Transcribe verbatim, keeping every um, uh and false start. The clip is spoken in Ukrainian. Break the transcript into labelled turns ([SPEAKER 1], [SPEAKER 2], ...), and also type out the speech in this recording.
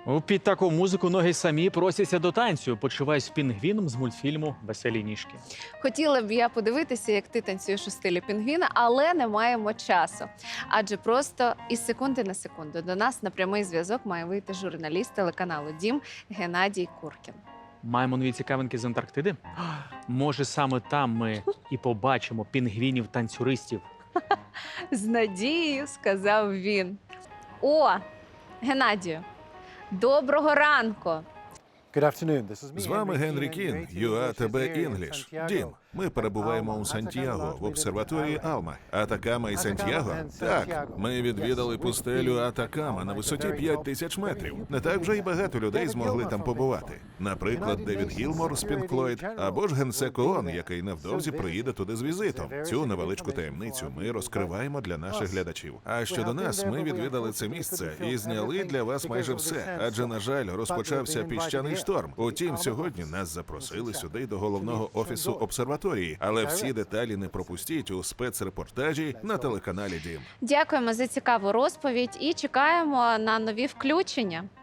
[SPEAKER 1] Під таку музику ноги самі просяться до танцю. Почуваюсь пінгвіном з мультфільму «Веселі ніжки».
[SPEAKER 2] Хотіла б я подивитися, як ти танцюєш у стилі пінгвіна, але не маємо часу. Адже просто із секунди на секунду до нас на прямий зв'язок має вийти журналіст телеканалу «Дім» Геннадій Куркін.
[SPEAKER 1] Маємо нові цікавинки з Антарктиди? Може, саме там ми і побачимо пінгвінів-танцюристів?
[SPEAKER 2] З надією, сказав він. О, Геннадію, доброго ранку!
[SPEAKER 3] З вами Генрі Кін, ю ей ті бі English. Дім, ми перебуваємо у Сантьяго в обсерваторії Алма. Атакама і Сантьяго? Так, ми відвідали пустелю Атакама на висоті п'ять тисяч метрів. Не так вже й багато людей змогли там побувати. Наприклад, Девід Гілмор з Пінк Флойд, або ж генсек ООН, який невдовзі приїде туди з візитом. Цю невеличку таємницю ми розкриваємо для наших глядачів. А щодо нас, ми відвідали це місце і зняли для вас майже все, адже, на жаль, розпочався піщаний шторм. Утім, сьогодні нас запросили сюди до головного офісу обсерваторії, але всі деталі не пропустіть у спецрепортажі на телеканалі Дім.
[SPEAKER 2] Дякуємо за цікаву розповідь і чекаємо на нові включення.